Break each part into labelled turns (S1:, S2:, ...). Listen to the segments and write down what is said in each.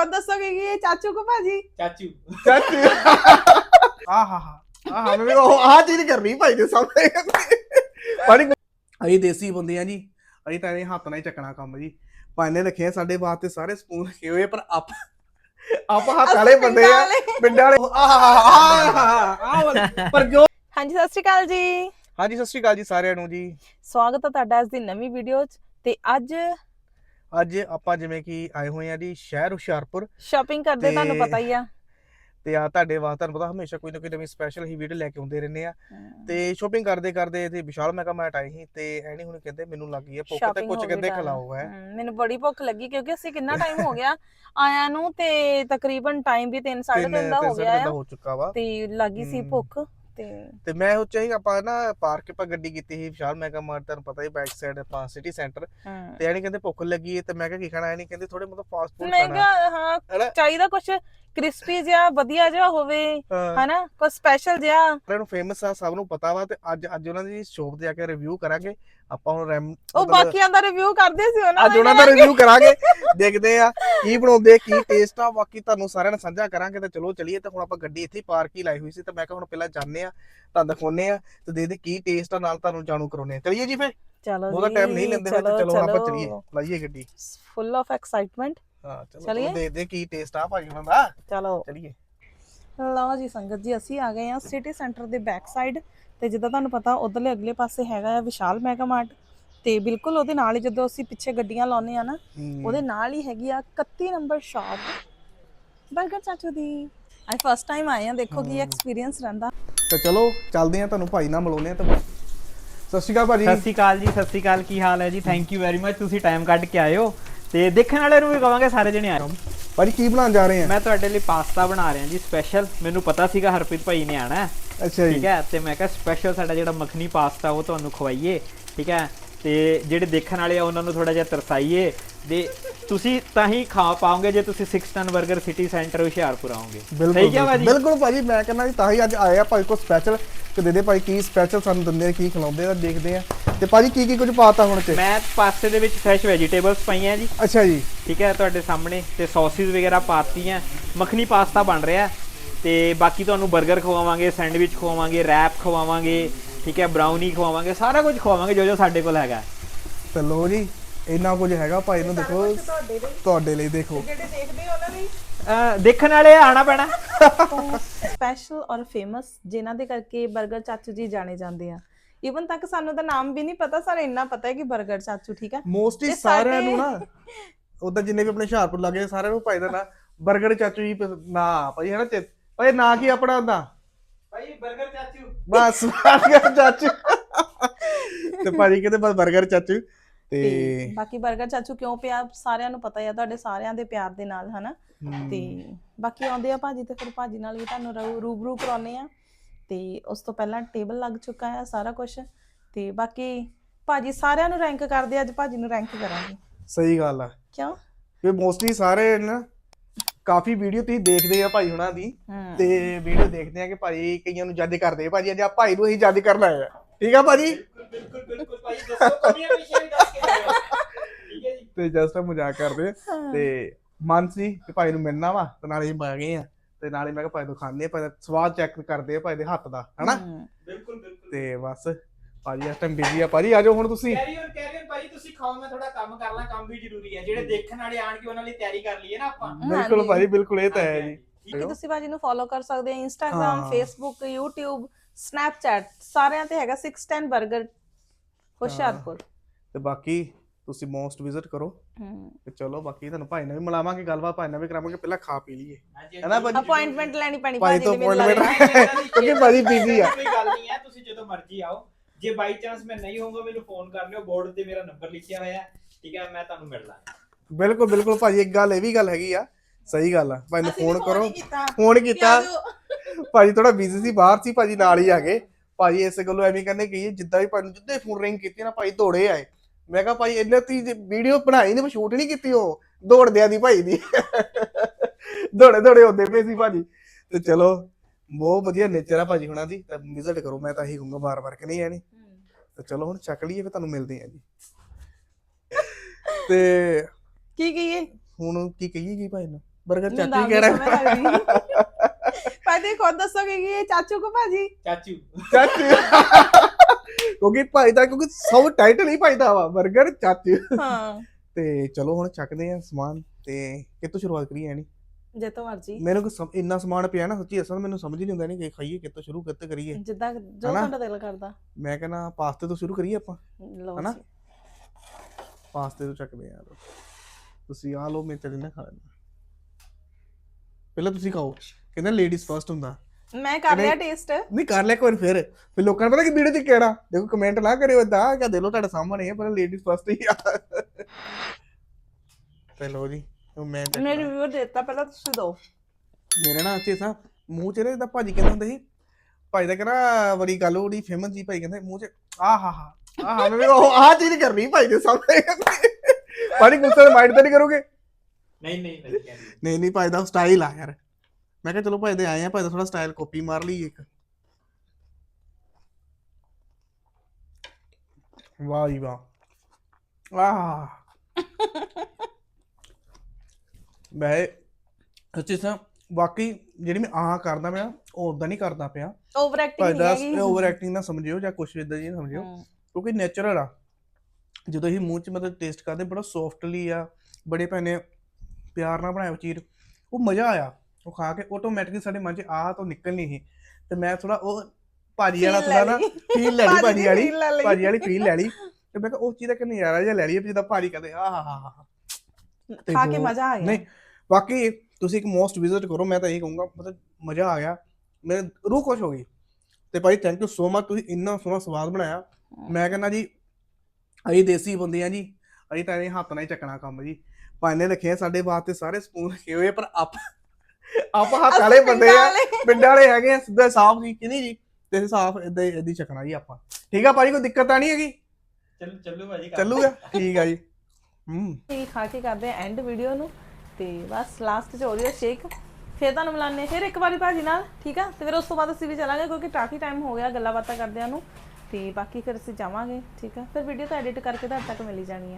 S1: ਹੁਣ ਦੱਸੋਗੇ ਕਿ ਇਹ ਚਾਚੂ ਕੋ ਭਾਜੀ?
S2: ਚਾਚੂ
S3: ਆਹ ਮੈਂ ਆਹ ਚੀਜ਼ ਕਰਨੀ ਭਾਈ ਦੇ ਸਾਹਮਣੇ ਭਾਜੀ ਅਸੀਂ ਦੇਸੀ ਬੰਦੇ ਆ ਜੀ, ਅਸੀਂ ਤਾਂ ਇਹ ਹੱਥ ਨਾਲ ਹੀ ਚੱਕਣਾ ਕੰਮ ਜੀ। ਭਾਈ ਨੇ ਰੱਖੇ ਸਾਡੇ ਵਾਸਤੇ ਸਾਰੇ ਸਪੂਨ ਰੱਖੇ ਹੋਏ, ਪਰ ਆਪਾਂ ਹੱਥ ਵਾਲੇ ਬੰਦੇ ਆ, ਪਿੰਡਾਂ ਵਾਲੇ। ਪਰ ਜੋ
S1: ਹਾਂਜੀ ਸਤਿ ਸ਼੍ਰੀ ਅਕਾਲ ਜੀ।
S3: ਹਾਂਜੀ ਸਤਿ ਸ਼੍ਰੀ ਅਕਾਲ ਜੀ ਸਾਰਿਆਂ ਨੂੰ ਜੀ।
S1: ਸਵਾਗਤ ਹੈ ਤੁਹਾਡਾ ਅੱਜ ਦੀ ਨਵੀਂ ਵੀਡੀਓ 'ਚ। ਤੇ ਅੱਜ
S3: ਆਪਾਂ ਜਿਵੇਂ ਕਿ ਆਏ ਹੋਏ ਆ ਜੀ ਸ਼ਹਿਰ ਹੁਸ਼ਿਆਰਪੁਰ
S1: ਸ਼ਾਪਿੰਗ ਕਰਦੇ, ਤੁਹਾਨੂੰ ਪਤਾ ਹੀ ਆ।
S3: ਤੇ ਆ ਤੁਹਾਡੇ ਵਾਸਤੇ ਤੁਹਾਨੂੰ ਪਤਾ ਹਮੇਸ਼ਾ ਕੋਈ ਨਾ ਕੋਈ ਨਵੀਂ ਸਪੈਸ਼ਲ ਹੀ ਵੀਡੀਓ ਲੈ ਕੇ ਆਉਂਦੇ ਰਹਿੰਦੇ ਆ। ਤੇ ਸ਼ਾਪਿੰਗ ਕਰਦੇ ਤੇ ਵਿਸ਼ਾਲ ਮੈਗਾ ਮਾਰਟ ਆਏ ਸੀ ਤੇ ਐਨੀ ਹੁਣ ਕਹਿੰਦੇ ਮੈਨੂੰ ਲੱਗ ਗਈ ਹੈ ਭੁੱਖ ਤੇ ਕੁਝ ਕਹਿੰਦੇ ਖਿਲਾਓ ਹੈ।
S1: ਮੈਨੂੰ ਬੜੀ ਭੁੱਖ ਲੱਗੀ ਕਿਉਂਕਿ ਅਸੀਂ ਕਿੰਨਾ ਟਾਈਮ ਹੋ ਗਿਆ ਆਇਆਂ ਨੂੰ, ਤੇ ਤਕਰੀਬਨ ਟਾਈਮ ਵੀ 3-3:30 ਦਾ ਹੋ ਗਿਆ
S3: ਹੋ ਚੁੱਕਾ ਵਾ,
S1: ਤੇ ਲੱਗੀ ਸੀ ਭੁੱਖ।
S3: ਤੇ ਮੈਂ ਸੋਚਿਆ ਸੀ ਆਪਾਂ ਨਾ ਪਾਰਕ ਆਪਾਂ ਗੱਡੀ ਕੀਤੀ ਸੀ ਵਿਸ਼ਾਲ ਮੈਗਾ ਮਾਰਟ, ਤੁਹਾਨੂੰ ਪਤਾ ਹੀ ਬੈਕ ਸਾਈਡ ਆਪਾਂ ਸਿਟੀ ਸੈਂਟਰ ਤੇ ਐਨੀ ਕਹਿੰਦੇ ਭੁੱਖ ਲੱਗੀ ਤੇ ਮੈਂ ਕਿਹਾ ਕੀ ਖਾਣਾ, ਐਨੀ ਕਹਿੰਦੇ ਥੋੜੇ ਮਤਲਬ ਫਾਸਟ ਫੂਡ
S1: ਮੈਂ ਕਿਹਾ ਹਾਂ ਚਾਹੀਦਾ ਕੁਝ ਕ੍ਰਿਸਪੀ ਜਿਹਾ ਵਧੀਆ ਜਿਹਾ ਹੋਵੇ, ਹਨਾ ਕੁਝ ਸਪੈਸ਼ਲ ਜਿਹਾ।
S3: ਇਹਨਾਂ ਨੂੰ ਫੇਮਸ ਆ, ਸਭ ਨੂੰ ਪਤਾ ਵਾ। ਤੇ ਅੱਜ ਉਹਨਾਂ ਦੀ ਸ਼ੋਪ ਤੇ ਜਾ ਕੇ ਰਿਵਿਊ ਕਰਾਂਗੇ ਆਪਾਂ। ਹੁਣ
S1: ਉਹ ਬਾਕੀਆਂ ਦਾ ਰਿਵਿਊ ਕਰਦੇ ਸੀ ਉਹਨਾਂ
S3: ਅੱਜ ਉਹਨਾਂ ਦਾ ਰਿਵਿਊ ਕਰਾਂਗੇ, ਦੇਖਦੇ ਆ ਕੀ ਬਣਾਉਂਦੇ ਕੀ ਟੇਸਟ ਆ, ਬਾਕੀ ਤੁਹਾਨੂੰ ਸਾਰਿਆਂ ਨਾਲ ਸਾਂਝਾ ਕਰਾਂਗੇ। ਤੇ ਚਲੋ ਚਲੀਏ। ਤੇ ਹੁਣ ਆਪਾਂ ਗੱਡੀ ਇੱਥੇ ਪਾਰਕ ਹੀ ਲਾਈ ਹੋਈ ਸੀ, ਤੇ ਮੈਂ ਕਿਹਾ ਹੁਣ ਪਹਿਲਾਂ ਜਾਂਦੇ ਆ ਤੁਹਾਨੂੰ ਦਿਖਾਉਨੇ ਆ ਤੇ ਦੇਖਦੇ ਕੀ ਟੇਸਟ ਆ, ਨਾਲ ਤੁਹਾਨੂੰ ਜਾਣੂ ਕਰਾਉਨੇ ਆ। ਚਲੀਏ ਜੀ, ਫੇਰ
S1: ਚਲੋ
S3: ਬਹੁਤਾ ਟਾਈਮ ਨਹੀਂ ਲੈਂਦੇ ਹੋਏ, ਤੇ ਚਲੋ ਆਪਾਂ ਚਲੀਏ, ਲਾਈਏ ਗੱਡੀ
S1: ਫੁੱਲ ਆਫ ਐਕਸਾਈਟਮੈਂਟ।
S3: ਹਾਂ ਚਲੋ ਦੇਖਦੇ ਕੀ ਟੇਸਟ ਆ ਭਾਈ ਉਹਨਾਂ ਦਾ।
S1: ਚਲੋ
S3: ਚਲੀਏ।
S1: ਲਓ ਜੀ ਸੰਗਤ ਜੀ, ਅਸੀਂ ਆ ਗਏ ਆ ਸਿਟੀ ਸੈਂਟਰ ਦੇ ਬੈਕ ਸਾਈਡ ਤੇ ਜਿੱਦਾਂ ਤੁਹਾਨੂੰ ਪਤਾ ਉਧਰਲੇ ਅਗਲੇ ਪਾਸੇ ਹੈਗਾ ਆ ਵਿਸ਼ਾਲ ਮੈਗਾ ਮਾਰਟ, ਤੇ ਬਿਲਕੁਲ ਉਹਦੇ ਨਾਲ ਹੀ ਜਦੋਂ ਅਸੀਂ ਪਿੱਛੇ ਗੱਡੀਆਂ ਲਾਉਨੇ ਆ ਨਾ, ਉਹਦੇ ਨਾਲ ਹੀ ਹੈਗੀ ਆ 31 ਨੰਬਰ ਸ਼ਾਪ ਬਰਗਰ ਚਾਚੂ ਦੀ। ਅੱਜ ਫਸਟ ਟਾਈਮ ਆਏ ਆ, ਦੇਖੋ ਕੀ ਐਕਸਪੀਰੀਅੰਸ ਰਹਿੰਦਾ।
S3: ਤੇ ਚਲੋ ਚੱਲਦੇ ਆ, ਤੁਹਾਨੂੰ ਭਾਈ ਨਾਲ ਮਿਲਾਉਨੇ ਆ। ਤੇ ਸਤਿ ਸ਼੍ਰੀ ਅਕਾਲ ਭਾਜੀ।
S2: ਸਤਿ ਸ਼੍ਰੀ ਅਕਾਲ ਜੀ, ਸਤਿ ਸ਼੍ਰੀ ਅਕਾਲ। ਕੀ ਹਾਲ ਹੈ ਜੀ? ਥੈਂਕ ਯੂ ਵੈਰੀ ਮਚ, ਤੁਸੀਂ ਟਾਈਮ ਕੱਢ ਕੇ ਆਏ ਹੋ। ਤੇ ਦੇਖਣ ਵਾਲੇ ਨੂੰ ਵੀ ਕਹਾਂਗੇ ਸਾਰੇ ਜਣੇ ਆਏ।
S3: ਭਾਜੀ ਕੀ ਬਣਾਉਣ ਜਾ ਰਹੇ ਆ?
S2: ਮੈਂ ਤੁਹਾਡੇ ਲਈ ਪਾਸਤਾ ਬਣਾ ਰਿਹਾ ਜੀ ਸਪੈਸ਼ਲ। ਮੈਨੂੰ ਪਤਾ ਸੀਗਾ ਹਰਪ੍ਰੀਤ ਭਾਈ ਨੇ ਆਣਾ।
S3: ਅੱਛਾ ਜੀ,
S2: ਠੀਕ ਹੈ। ਤੇ ਮੈਂ ਕਿਹਾ ਸਪੈਸ਼ਲ ਸਾਡਾ ਜਿਹੜਾ ਮੱਖਣੀ ਪਾਸਤਾ ਉਹ ਤੁਹਾਨੂੰ ਖਵਾਈਏ, ਠੀਕ ਹੈ। ਤੇ ਜਿਹੜੇ ਦੇਖਣ ਵਾਲੇ ਆ ਉਹਨਾਂ ਨੂੰ ਥੋੜਾ ਜਿਹਾ ਤਰਸਾਈਏ। ਤੇ ਤੁਸੀਂ ਤਾਂ ਹੀ ਖਾ ਪਾਓਗੇ ਜੇ ਤੁਸੀਂ 6 ਟਨ 버ਗਰ ਸਿਟੀ ਸੈਂਟਰ ਹੁਸ਼ਿਆਰਪੁਰ ਆਓਗੇ। ਸਹੀ ਕਿਹਾ ਭਾਜੀ?
S3: ਬਿਲਕੁਲ ਭਾਜੀ, ਮੈਂ ਕਹਿੰਦਾ ਤਾਂ ਹੀ ਅੱਜ ਆਏ ਆ ਭਾਈ ਕੋ ਸਪੈਸ਼ਲ। ਕਿ ਦੇ ਭਾਈ ਕੀ ਸਪੈਸ਼ਲ ਸਾਨੂੰ ਦਿੰਦੇ, ਕੀ ਖਿਲਾਉਂਦੇ ਆ, ਦੇਖਦੇ ਆ। ਤੇ ਭਾਜੀ ਕੀ ਕੁਝ ਪਾਤਾ ਹੁਣ ਚ?
S2: ਮੈਂ ਪਾਸਤੇ ਦੇ ਵਿੱਚ ਫਰੈਸ਼ ਵੈਜੀਟੇਬਲਸ ਪਾਈਆਂ ਜੀ।
S3: ਅੱਛਾ ਜੀ,
S2: ਠੀਕ ਹੈ, ਤੁਹਾਡੇ ਸਾਹਮਣੇ। ਤੇ ਸੌਸਿਸ ਵਗੈਰਾ ਪਾਤੀਆਂ। ਮੱਖਣੀ ਪਾਸਤਾ ਬਣ ਰਿਹਾ। ਤੇ ਬਾਕੀ ਤੁਹਾਨੂੰ 버ਗਰ ਖਵਾਵਾਂਗੇ, ਸੈਂਡਵਿਚ ਖਵਾਵਾਂਗੇ, ਰੈਪ ਖਵਾਵਾਂਗੇ, ਠੀਕ ਹੈ, ਬਰਾਊਨੀ ਖਵਾਵਾਂਗੇ, ਸਾਰਾ ਕੁਝ ਖਵਾਵਾਂਗੇ ਜੋ ਸਾਡੇ ਕੋਲ ਹੈਗਾ।
S3: ਤੇ ਲੋ ਜੀ ਇੰਨਾ ਕੁਝ ਹੈਗਾ ਭਾਈ ਨੂੰ। ਦੇਖੋ ਤੁਹਾਡੇ ਲਈ, ਦੇਖੋ
S1: ਜਿਹੜੇ ਦੇਖਦੇ ਉਹਨਾਂ ਲਈ
S2: ਦੇਖਣ ਵਾਲੇ ਆਣਾ ਪੈਣਾ।
S1: ਸਪੈਸ਼ਲ ਔਰ ਫੇਮਸ ਜਿਨ੍ਹਾਂ ਦੇ ਕਰਕੇ 버ਗਰ ਚਾਚੂ ਜੀ ਜਾਣੇ ਜਾਂਦੇ ਆ। ਇਵਨ ਤੱਕ ਸਾਨੂੰ ਤਾਂ ਨਾਮ ਵੀ ਨਹੀਂ ਪਤਾ, ਸਾਨੂੰ ਇੰਨਾ ਪਤਾ ਹੈ ਕਿ 버ਗਰ ਚਾਚੂ, ਠੀਕ ਹੈ।
S3: ਮੋਸਟਲੀ ਸਾਰਿਆਂ ਨੂੰ ਨਾ ਉਧਰ ਜਿੰਨੇ ਵੀ ਆਪਣੇ ਹੁਸ਼ਿਆਰਪੁਰ ਲੱਗੇ ਸਾਰਿਆਂ ਨੂੰ ਭਾਈ ਦਾ ਨਾਂ 버ਗਰ ਚਾਚੂ ਜੀ ਨਾ ਭਾਈ, ਹੈ ਨਾ ਭਾਈ? ਨਾਂ ਕੀ ਆਪਣਾ ਉਹਦਾ?
S2: ਭਾਈ 버ਗਰ ਚਾਚੂ।
S3: ਬਸ 버ਗਰ ਚਾਚੂ। ਤੇ ਭਾਜੀ ਕਹਿੰਦੇ ਬਸ 버ਗਰ ਚਾਚੂ। ਤੇ
S1: ਬਾਕੀ 버ਗਰ ਚਾਚੂ ਕਿਉਂ ਪਿਆ ਸਾਰਿਆਂ ਨੂੰ ਪਤਾ ਹੈ, ਤੁਹਾਡੇ ਸਾਰਿਆਂ ਦੇ ਪਿਆਰ ਦੇ ਨਾਲ, ਹਨਾ। ਤੇ ਬਾਕੀ ਆਉਂਦੇ ਆ ਭਾਜੀ, ਤੇ ਫਿਰ ਭਾਜੀ ਨਾਲ ਵੀ ਤੁਹਾਨੂੰ ਰੂਬਰੂ ਕਰਾਉਨੇ ਆ। ਤੇ ਉਸ ਤੋਂ ਪਹਿਲਾਂ ਟੇਬਲ ਲੱਗ ਚੁੱਕਾ ਹੈ ਸਾਰਾ ਕੁਝ। ਤੇ ਬਾਕੀ ਭਾਜੀ ਸਾਰਿਆਂ ਨੂੰ ਰੈਂਕ ਕਰਦੇ, ਅੱਜ ਭਾਜੀ ਨੂੰ ਰੈਂਕ ਕਰਾਂਗੇ।
S3: ਸਹੀ ਗੱਲ ਆ,
S1: ਕਿਉਂ
S3: ਕਿ ਮੋਸਟਲੀ ਸਾਰੇ ਨਾ ਕਾਫੀ ਵੀਡੀਓ ਤੁਸੀਂ ਦੇਖਦੇ ਆ ਭਾਈ ਹੁਣਾਂ ਦੀ, ਤੇ ਵੀਡੀਓ ਦੇਖਦੇ ਆ ਕਿ ਭਾਈ ਕਈਆਂ ਨੂੰ ਜੱਜ ਕਰਦੇ ਆ। ਭਾਜੀ ਅੱਜ ਆ ਭਾਈ ਨੂੰ ਅਸੀਂ ਜੱਜ ਕਰਨਾ ਹੈ, ਠੀਕ ਆ ਭਾਜੀ?
S2: ਬਿਲਕੁਲ ਭਾਈ, ਦੱਸੋ ਕਮੀਆਂ ਪੇਸ਼ੀਆਂ ਵੀ ਦੱਸ ਕੇ ਆਇਓ। ਠੀਕ ਹੈ ਜੀ।
S3: ਤੇ ਜਸਟ ਮਜ਼ਾਕ ਕਰਦੇ ਆ। ਤੇ ਮਨ ਸੀ ਕਿ ਭਾਈ ਨੂੰ ਮਿਲਣਾ ਵਾ, ਤੇ ਨਾਲੇ ਅਸੀਂ ਬਾ ਗਏ ਆ, ਤੇ ਨਾਲੇ ਮੈਂ ਕਿਹਾ ਭਾਈ ਤੋਂ ਖਾਂਦੇ ਆ, ਭਾਈ ਸਵਾਦ ਚੈੱਕ ਕਰਦੇ ਆ ਭਾਈ ਦੇ ਹੱਥ ਦਾ, ਹਨਾ?
S2: ਬਿਲਕੁਲ ਬਿਲਕੁਲ।
S3: ਤੇ ਬਸ ਭਾਜੀ ਇਸ ਟਾਈਮ ਬਿਜ਼ੀ ਆ। ਭਾਜੀ ਆਜੋ ਹੁਣ ਤੁਸੀਂ।
S2: ਕੈਰੀਅਰ ਭਾਈ ਤੁਸੀਂ ਖਾਓ, ਮੈਂ ਥੋੜਾ ਕੰਮ ਕਰ ਲਾਂ। ਕੰਮ ਵੀ ਜ਼ਰੂਰੀ ਹੈ, ਜਿਹੜੇ ਦੇਖਣ ਵਾਲੇ ਆਣਗੇ ਉਹਨਾਂ ਲਈ ਤਿਆਰੀ ਕਰ ਲਈਏ ਨਾ ਆਪਾਂ।
S3: ਬਿਲਕੁਲ ਭਾਜੀ, ਬਿਲਕੁਲ ਇਹ ਤਾਂ ਹੈ ਜੀ।
S1: ਤੁਸੀਂ ਭਾਜੀ ਨੂੰ ਫੋਲੋ ਕਰ ਸਕਦੇ ਆ ਇੰਸਟਾਗ੍ਰਾਮ, ਫੇਸਬੁੱਕ, YouTube, ਸਨੈਪਚੈਟ, ਸਾਰਿਆਂ ਤੇ ਹੈਗਾ 610 버ਗਰ ਹੁਸ਼ਿਆਰਪੁਰ।
S3: ਤੇ ਬਾਕੀ ਤੁਸੀਂ ਮੋਸਟ ਵਿਜ਼ਿਟ ਕਰੋ। ਤੇ ਚਲੋ ਬਾਕੀ ਤੁਹਾਨੂੰ ਭਾਈ ਨਾਲ ਵੀ ਮਿਲਾਵਾਂਗੇ, ਗੱਲਬਾਤ ਭਾਈ ਨਾਲ ਵੀ ਕਰਾਵਾਂਗੇ। ਪਹਿਲਾਂ ਖਾ ਪੀ ਲਈਏ, ਹੈਨਾ ਭਾਜੀ?
S1: ਅਪਾਇੰਟਮੈਂਟ ਲੈਣੀ ਪੈਣੀ
S3: ਭਾਈ ਤੋਂ
S1: appointment
S3: ਕਿਉਂਕਿ ਭਾਜੀ ਬਿਜ਼ੀ ਆ।
S2: ਕੋਈ ਗੱਲ ਨਹੀਂ ਹੈ, ਤੁਸੀਂ ਜਦੋਂ ਮਰਜ਼ੀ ਆਓ। ਜੇ ਬਾਈ ਚਾਂਸ ਮੈਂ ਨਹੀਂ ਹੋਊਗਾ ਮੈਨੂੰ ਫੋਨ ਕਰ ਲਿਓ, ਬੋਰਡ ਤੇ ਮੇਰਾ ਨੰਬਰ ਲਿਖਿਆ ਹੋਇਆ ਹੈ, ਠੀਕ ਹੈ, ਮੈਂ ਤੁਹਾਨੂੰ ਮਿਲ ਲਾਂਗਾ।
S3: ਬਿਲਕੁਲ ਬਿਲਕੁਲ ਭਾਜੀ, ਇੱਕ ਗੱਲ ਇਹ ਵੀ ਗੱਲ ਹੈਗੀ ਆ, ਸਹੀ ਗੱਲ ਆ। ਭਾਈ ਨੂੰ ਫੋਨ ਕਰੋ, ਫੋਨ ਕੀਤਾ ਭਾਜੀ ਥੋੜਾ ਬਿਜ਼ੀ ਸੀ, ਬਾਹਰ ਸੀ, ਭਾਜੀ ਨਾਲ ਹੀ ਆ ਗਏ। ਭਾਜੀ ਇਸੇ ਗੱਲੋਂ ਐਵੇਂ ਕਹਿੰਦੇ ਕਿ ਜਿੱਦਾਂ ਵੀ ਭਾਈ ਨੂੰ ਜਿੱਦਾਂ ਫੋਨ ਰਿੰਗ ਕੀਤੀ ਨਾ, ਭਾਈ ਦੌੜੇ ਆਏ। ਮੈਂ ਕਿਹਾ ਭਾਈ ਇਹਨੇ ਤੁਸੀਂ ਵੀਡੀਓ ਬਣਾਈ ਨਹੀਂ, ਸ਼ੂਟ ਨਹੀਂ ਕੀਤੀ, ਉਹ ਦੌੜਦਿਆਂ ਦੀ ਭਾਈ ਦੀ ਦੌੜੇ ਹੁੰਦੇ ਪਏ ਸੀ ਭਾਜੀ। ਤੇ ਚਲੋ ਬਹੁਤ ਵਧੀਆ ਨੇਚਰ ਆ ਭਾਜੀ ਹੁਣਾਂ ਦੀ, ਤਾਂ ਵਿਜ਼ਿਟ ਕਰੋ। ਮੈਂ ਤਾਂ ਇਹੀ ਕਹੂੰਗਾ ਬਾਰ-ਬਾਰ ਕਿ ਨਹੀਂ ਆਣੀ। ਤੇ ਚਲੋ ਹੁਣ ਚੱਕ ਲਈਏ, ਫਿਰ ਤੁਹਾਨੂੰ ਮਿਲਦੇ ਆ ਜੀ। ਤੇ
S1: ਕੀ ਕਹੀਏ
S3: ਹੁਣ ਕੀ ਕਹੀਏ ਕੀ ਭਾਈ ਨੂੰ? ਬਰਗਰ
S1: ਮੈਨੂੰ
S3: ਚਾਚੂ
S1: ਤਾਂ
S3: ਕਹਿਣਾ
S1: ਸਮਝ ਲੱਗਦੀ ਭਾਜੀ ਖੁਦ ਦੱਸੋਗੇ ਕਿ ਇਹ ਚਾਚੂ ਕੋ ਭਾਜੀ
S2: ਚਾਚੂ
S3: ਚਾਚੂ ਕਿਉਂਕਿ ਭਾਈ ਦਾ ਕਿਉਂਕਿ ਸਭ ਟਾਈਟਲ ਹੀ ਭਾਈ ਦਾ ਵਾ ਬਰਗਰ ਚਾਚੂ।
S1: ਹਾਂ
S3: ਤੇ ਚਲੋ ਹੁਣ ਚੱਕਦੇ ਆ ਸਮਾਨ ਤੇ ਕਿੱਥੋਂ ਸ਼ੁਰੂਆਤ ਕਰੀਏ ਨਹੀਂ
S1: ਜੇ ਤੋਂ ਮਰਜੀ
S3: ਮੈਨੂੰ ਇੰਨਾ ਸਮਾਨ ਪਿਆ ਨਾ ਸੱਚੀ ਅਸਲ ਮੈਨੂੰ ਸਮਝ ਹੀ ਨਹੀਂ ਹੁੰਦਾ ਨਹੀਂ ਕਿ ਖਾਈਏ ਕਿੱਥੋਂ ਸ਼ੁਰੂ ਕਿੱਥੇ ਕਰੀਏ।
S1: ਜਿੱਦਾਂ ਜੋ ਤੁਹਾਡਾ ਦਿਲ ਕਰਦਾ।
S3: ਮੈਂ ਕਹਿੰਦਾ ਪਾਸਤੇ ਤੋਂ ਸ਼ੁਰੂ ਕਰੀਏ ਆਪਾਂ
S1: ਲਓ
S3: ਹਨਾ?
S1: ਜੀ।
S3: ਪਾਸਤੇ ਤੋਂ ਚੱਕਦੇ ਆ ਤੁਸੀਂ ਆ ਲਓ ਮੈਂ ਚੱਲੇ ਨਾ ਖਾ ਲੈਣਾ ਪਹਿਲਾਂ ਤੁਸੀਂ ਖਾਓ ਕਹਿੰਦਾ ਲੇਡੀਜ਼ ਫਰਸਟ ਹੁੰਦਾ।
S1: ਮੈਂ ਕਰ ਲਿਆ ਟੇਸਟ।
S3: ਨਹੀਂ ਕਰ ਲਿਆ ਇੱਕ ਵਾਰ ਫਿਰ ਲੋਕਾਂ ਨੂੰ ਪਤਾ ਕਿ ਵੀਡੀਓ 'ਚ ਕਿਹੜਾ ਦੇਖੋ ਕਮੈਂਟ ਨਾ ਕਰਿਓ ਏਦਾਂ ਕਿ ਦੇ ਲੋ ਤੁਹਾਡੇ ਸਾਹਮਣੇ ਹੈ ਪਰ ਲੇਡੀਜ਼ ਫਰਸਟ ਹੀ ਆ। ਤੇ ਲੋ ਜੀ ਮੈਂ
S1: ਮੈਂ ਰਿਵਿਊ ਦਿੱਤਾ ਪਹਿਲਾਂ ਤੁਸੀਂ ਦੋ।
S3: ਮੇਰੇ ਨਾਲ ਅੱਛੇ ਸਾ ਮੂੰਹ 'ਚ ਇਹਦਾ ਭਾਜੀ ਕਹਿੰਦਾ ਹੁੰਦਾ ਸੀ ਭਾਈ ਦਾ ਕਹਿੰਦਾ ਬੜੀ ਗੱਲ ਬੜੀ ਫੇਮਸ ਜੀ ਭਾਈ ਕਹਿੰਦਾ ਮੂੰਹ 'ਚ ਆਹ ਮੈਂ ਉਹ ਆਹ ਚੀਜ਼ ਕਰਨੀ ਭਾਈ ਦੇ ਸਾਹਮਣੇ ਭਾਜੀ ਗੁੱਸੇ ਮਾਈਂਡ ਤਾਂ ਨਹੀਂ ਕਰੋਗੇ? ਨਹੀਂ ਭਾਈ ਦਾ ਸਟਾਈਲ ਆ ਯਾਰ ਮੈਂ ਕਿਹਾ ਚਲੋ ਭਾਈ ਦੇ ਆਏ ਆ ਭਾਈ ਦਾ ਥੋੜਾ ਸਟਾਈਲ ਕਾਪੀ ਮਾਰ ਲਈ ਇੱਕ। ਵਾਹ ਜੀ ਵਾਹ ਮੈਂ ਸੱਚੀ ਸਾਂ ਵਾਕਈ ਜਿਹੜੀ ਮੈਂ ਕਰਦਾ ਪਿਆ ਉਹ ਉਦਾਂ ਨਹੀਂ ਕਰਦਾ ਪਿਆ।
S1: ਓਵਰ ਐਕਟਿੰਗ
S3: ਭਾਈ
S1: ਨਹੀਂ
S3: ਦਾ
S1: ਹੈਗੀ।
S3: ਓਵਰ ਐਕਟਿੰਗ ਨਾ ਸਮਝਿਓ ਜਾਂ ਕੁਛ ਇਦਾਂ ਜੀ ਸਮਝਿਓ ਕਿਉਂਕਿ ਨੇਚਰਲ ਆ ਜਦੋਂ ਅਸੀਂ ਮੂੰਹ 'ਚ ਮਤਲਬ ਟੇਸਟ ਕਰਦੇ ਬੜਾ ਸੌਫਟਲੀ ਆ ਬੜੇ ਭੈਣੇ ਪਿਆਰ ਨਾਲ ਬਣਾਇਆ ਚੀਜ਼ ਉਹ ਮਜ਼ਾ ਆਇਆ ਉਹ ਖਾ ਕੇ ਆਟੋਮੈਟਿਕਲੀ ਸਾਡੇ ਮਨ 'ਚ ਆਹ ਤੋਂ ਨਿਕਲਣੀ ਸੀ ਤੇ ਮੈਂ ਥੋੜਾ ਉਹ ਭਾਜੀ ਵਾਲਾ ਥੋੜਾ ਨਾ ਫੀਲ ਲੈ ਲਈ ਭਾਜੀ ਵਾਲੀ ਫੀਲ ਲੈ ਲਈ ਤੇ ਮੈਂ ਕਿਹਾ ਉਸ ਚੀਜ਼ ਦਾ ਕਿ ਨਜ਼ਾਰਾ ਜਿਹਾ ਲੈ ਲਈਏ ਜਿੱਦਾਂ ਭਾਜੀ ਕਹਿੰਦੇ
S1: ਖਾ ਕੇ ਮਜ਼ਾ ਆ ਗਿਆ।
S3: ਨਹੀਂ ਬਾਕੀ ਤੁਸੀਂ ਇੱਕ ਮੋਸਟ ਵਿਜ਼ਿਟ ਕਰੋ ਮੈਂ ਤਾਂ ਇਹ ਕਹੂੰਗਾ ਮਤਲਬ ਮਜ਼ਾ ਆ ਗਿਆ ਮੇਰੇ ਰੂਹ ਖੁਸ਼ ਹੋ ਗਈ ਤੇ ਭਾਈ ਥੈਂਕ ਯੂ ਸੋ ਮਚ ਤੁਸੀਂ ਇੰਨਾ ਸੋਹਣਾ ਸਵਾਦ ਬਣਾਇਆ। ਮੈਂ ਕਹਿੰਦਾ ਜੀ ਅਸੀਂ ਦੇਸੀ ਬੰਦੇ ਆ ਜੀ ਅਸੀਂ ਤਾਂ ਇਹ ਹੱਥ ਨਾਲ ਹੀ ਚੱਕਣਾ ਕੰਮ ਜੀ ਭਾਈ ਨੇ ਰੱਖੇ ਸਾਡੇ ਵਾਸਤੇ ਸਾਰੇ ਸਪੂਨ ਰੱਖੇ ਹੋਏ ਪਰ ਆਪਾਂ ਹੱਥ ਵਾਲੇ ਬੰਦੇ ਆ ਪਿੰਡਾਂ ਵਾਲੇ ਹੈਗੇ ਆ ਸਿੱਧਾ ਸਾਫ ਜੀ ਕਿ ਨਹੀਂ ਜੀ ਤੇ ਸਾਫ ਇਦਾਂ ਹੀ ਚੱਕਣਾ ਜੀ ਆਪਾਂ ਠੀਕ ਆ ਭਾਜੀ ਕੋਈ ਦਿੱਕਤ ਤਾਂ ਨਹੀਂ ਹੈਗੀ?
S2: ਚੱਲੂ ਭਾਜੀ
S3: ਚੱਲੂਗਾ ਠੀਕ ਆ ਜੀ।
S1: ਇਹ ਖਾ ਕੇ ਕਰਦੇ ਆ ਐਂਡ ਵੀਡੀਓ ਨੂੰ ਤੇ ਬਸ ਲਾਸਟ 'ਚ ਓਰੀਓ ਸ਼ੇਕ ਫਿਰ ਤੁਹਾਨੂੰ ਮਿਲਾਨੇ ਫਿਰ ਇੱਕ ਵਾਰੀ ਭਾਜੀ ਨਾਲ ਠੀਕ ਆ ਤੇ ਫਿਰ ਉਸ ਤੋਂ ਬਾਅਦ ਅਸੀਂ ਵੀ ਚੱਲਾਂਗੇ ਕਿਉਂਕਿ ਕਾਫੀ ਟਾਈਮ ਹੋ ਗਿਆ ਗੱਲਾਂ ਬਾਤਾਂ ਕਰਦਿਆਂ ਨੂੰ ਤੇ ਬਾਕੀ ਫਿਰ ਅਸੀਂ ਜਾਵਾਂਗੇ ਠੀਕ ਆ ਫਿਰ ਵੀਡੀਓ ਤਾਂ ਐਡਿਟ ਕਰਕੇ ਤੁਹਾਡੇ ਤੱਕ ਮਿਲ ਜਾਣੀ ਆ।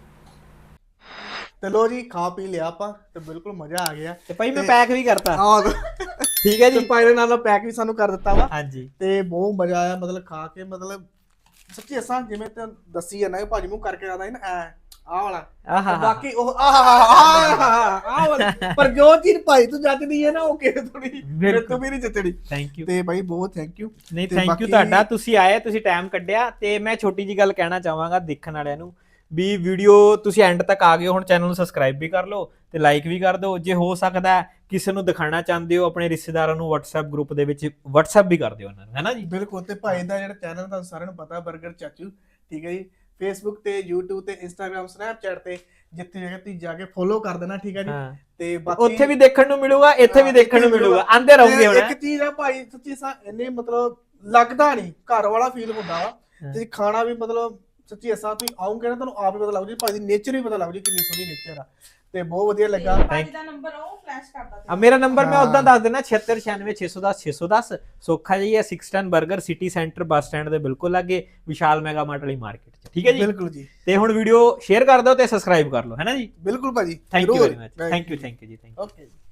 S3: ਤੇ ਲੋ ਜੀ ਖਾ ਪੀ ਲਿਆ ਆਪਾਂ ਤੇ ਬਿਲਕੁਲ ਮਜ਼ਾ ਆ ਗਿਆ
S2: ਤੇ ਭਾਈ ਮੈਂ ਪੈਕ ਵੀ ਕਰਤਾ
S3: ਠੀਕ ਹੈ ਜੀ ਭਾਈ ਨੇ ਨਾਲ ਪੈਕ ਵੀ ਸਾਨੂੰ ਕਰ ਦਿੱਤਾ ਵਾ
S2: ਹਾਂਜੀ ਤੇ
S3: ਬਹੁਤ ਮਜ਼ਾ ਆਇਆ ਮਤਲਬ ਖਾ ਕੇ ਮਤਲਬ ਸੱਚੀ ਅਸਾਂ ਜਿਵੇਂ ਤੇ ਦੱਸੀ ਜਾਂਦਾ ਕਿ ਭਾਜੀ ਮੂੰਹ ਕਰਕੇ ਆਦਾ ਸੀ ਨਾ ਆਹ ਵਾਲਾ ਬਾਕੀ ਉਹ ਆਹ ਵਾਲਾ ਪਰ ਜੋ ਚੀਜ਼ ਭਾਈ ਤੂੰ ਜੱਜਦੀ ਹੈ ਨਾ ਉਹ ਕਿਸੇ ਥੋੜੀ ਮੇਰੇ ਤੋਂ ਵੀ ਨਹੀਂ ਜੱਜਣੀ।
S2: ਥੈਂਕ ਯੂ
S3: ਤੇ ਭਾਈ ਬਹੁਤ ਥੈਂਕ ਯੂ।
S2: ਨਹੀਂ ਥੈਂਕ ਯੂ ਤੁਹਾਡਾ ਤੁਸੀਂ ਆਏ ਤੁਸੀਂ ਟਾਈਮ ਕੱਢਿਆ ਤੇ ਮੈਂ ਛੋਟੀ ਜੀ ਗੱਲ ਕਹਿਣਾ ਚਾਹਾਂਗਾ ਦੇਖਣ ਵਾਲਿਆਂ ਨੂੰ ਵੀ ਵੀਡੀਓ ਤੁਸੀਂ ਐਂਡ ਤੱਕ ਆ ਗਏ ਹੁਣ ਚੈਨਲ ਨੂੰ ਸਬਸਕ੍ਰਾਈਬ ਵੀ ਕਰ ਲਓ ਤੇ ਲਾਈਕ ਵੀ ਕਰ ਦਿਓ ਜੇ ਹੋ ਸਕਦਾ ਕਿਸੇ ਨੂੰ ਦਿਖਾਣਾ ਚਾਹੁੰਦੇ ਹੋ ਆਪਣੇ ਰਿਸ਼ਤੇਦਾਰਾਂ ਨੂੰ WhatsApp ਗਰੁੱਪ ਦੇ ਵਿੱਚ WhatsApp ਵੀ ਕਰ ਦਿਓ ਉਹਨਾਂ ਨੂੰ ਹੈ ਨਾ ਜੀ।
S3: ਬਿਲਕੁਲ ਤੇ ਭਾਈ ਦਾ ਜਿਹੜਾ ਚੈਨਲ ਤੁਹਾਨੂੰ ਸਾਰਿਆਂ ਨੂੰ ਪਤਾ ਬਰਗਰ ਚਾਚੂ ਠੀਕ ਹੈ ਜੀ Facebook ਤੇ YouTube ਤੇ Instagram Snapchat ਤੇ ਜਿੱਥੇ ਜਗ੍ਹਾ ਤੁਸੀਂ ਜਾ ਕੇ ਫੋਲੋ ਕਰ ਦੇਣਾ ਠੀਕ ਹੈ ਜੀ ਤੇ ਬਾਕੀ
S2: ਉੱਥੇ ਵੀ ਦੇਖਣ ਨੂੰ ਮਿਲੂਗਾ ਇੱਥੇ ਵੀ ਦੇਖਣ ਨੂੰ ਮਿਲੂਗਾ ਆਂਦੇ ਰਹੋਗੇ ਹੁਣ।
S3: ਇੱਕ ਚੀਜ਼ ਆ ਭਾਈ ਸੱਚੀ ਸਾ ਇਹਨੇ ਮਤਲਬ ਲੱਗਦਾ ਨਹੀਂ ਘਰ ਵਾਲਾ ਫੀਲ ਹੁੰਦਾ ਵਾ ਤੇ ਖਾਣਾ ਵੀ ਮਤਲਬ ਸੱਚੀ ਅਸਾਂ ਤੁਸੀਂ ਆਉਂਗੇ ਨਾ ਤੁਹਾਨੂੰ ਆਪ ਹੀ ਪਤਾ ਲੱਗ ਜੂ ਭਾਈ ਦੀ ਨੇਚਰ ਹੀ ਪਤਾ ਲੱਗ ਜੂ ਕਿੰਨੀ ਸੋਹਣੀ ਨੇਚਰ ਆ ਤੇ ਬਹੁਤ ਵਧੀਆ ਲੱਗਾ।
S1: ਭਾਜੀ ਦਾ ਨੰਬਰ ਉਹ ਫਲੈਸ਼ ਕਰਦਾ
S2: ਮੇਰਾ ਨੰਬਰ ਮੈਂ ਉਦਾਂ ਦੱਸ ਦੇਣਾ 7696600610 ਸੋਖਾ ਜੀ ਹੈ 610 버ਗਰ ਸਿਟੀ ਸੈਂਟਰ ਬੱਸ ਸਟੈਂਡ ਦੇ ਬਿਲਕੁਲ ਲਾਗੇ ਵਿਸ਼ਾਲ ਮੈਗਾ ਮਾਰਟ ਵਾਲੀ ਮਾਰਕੀਟ 'ਚ ਠੀਕ ਹੈ ਜੀ।
S3: ਬਿਲਕੁਲ ਜੀ
S2: ਤੇ ਹੁਣ ਵੀਡੀਓ ਸ਼ੇਅਰ ਕਰ ਦਿਓ ਤੇ ਸਬਸਕ੍ਰਾਈਬ ਕਰ ਲਓ ਹੈ ਨਾ ਜੀ।
S3: ਬਿਲਕੁਲ ਭਾਜੀ
S2: thank you very much thank you ਜੀ ਥੈਂਕ ਯੂ।
S3: ਓਕੇ ਜੀ।